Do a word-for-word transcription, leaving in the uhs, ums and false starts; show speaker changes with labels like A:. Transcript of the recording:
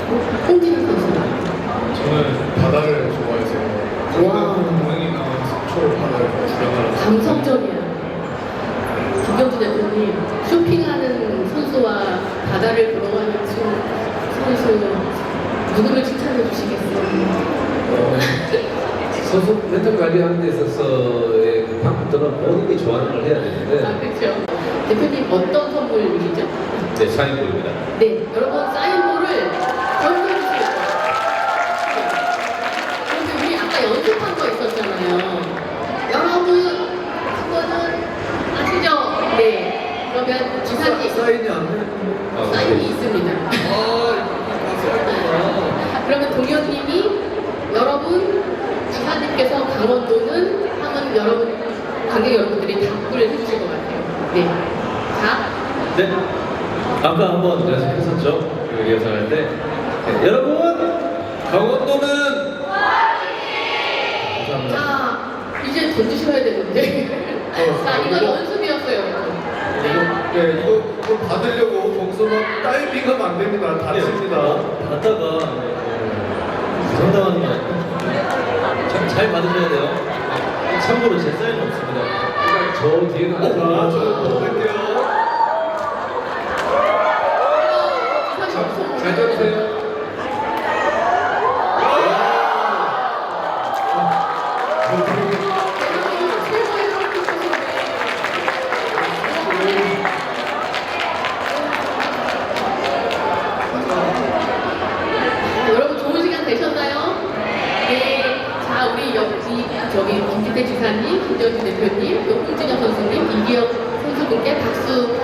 A: 홍진호 선수.
B: 저는 바다를 좋아해서
A: 와.
B: 동행이나 속초를 바다를 구경하러
A: 감성적이야. 김경주 대표님, 쇼핑하는 선수와 바다를 걸어가는 선수 누구를 칭찬해 주시겠어요?
C: 어, 선수 멘탈 관리하는 데 있어서의 그 방법들은 본인이 좋아하는 걸 해야 되는데.
A: 아, 그렇죠. 대표님 어떤 선물이시죠?
C: 네, 사인볼입니다.
A: 네, 여러분 사인볼을 던져주세요. 그런데 우리 아까 연습한 거 있었잖아요. 여러분, 그거는 아시죠? 네. 그러면 지사님
B: 사인이 안 돼.
C: 아,
A: 사인이
C: 네.
A: 있습니다.
B: 아, 사인이구나.
A: 그러면 동현님이 여러분 지사님께서 강원도는 하면 여러분 관객 여러분들이 답글을 해주실 것 같아요. 네. 자,
C: 네. 아까 한번 연습했었죠? 그 리허설 때. 네, 여러분! 강원도는! 감사합니다.
A: 자 이제 던지셔야 되는데. 자 이거 연습이었어요. 네.
B: 네, 이거, 이거 받으려고 거기서 막 다이빙하면 안 됩니다. 다칩니다.
C: 받다가 부상당하는 거 아니에요? 잘, 잘 받으셔야 돼요. 참고로 제 사인은 없습니다. 저 뒤에는 안
B: 아,
C: 들어가요.
B: 저 할게요. 잘 잡으세요.
A: 여러분 좋은 시간 되셨나요? 네. 자 우리 여기 저기 김기태 지사님, 김정진 대표님, 또 홍진영 선수님, 이기혁 선수분께 박수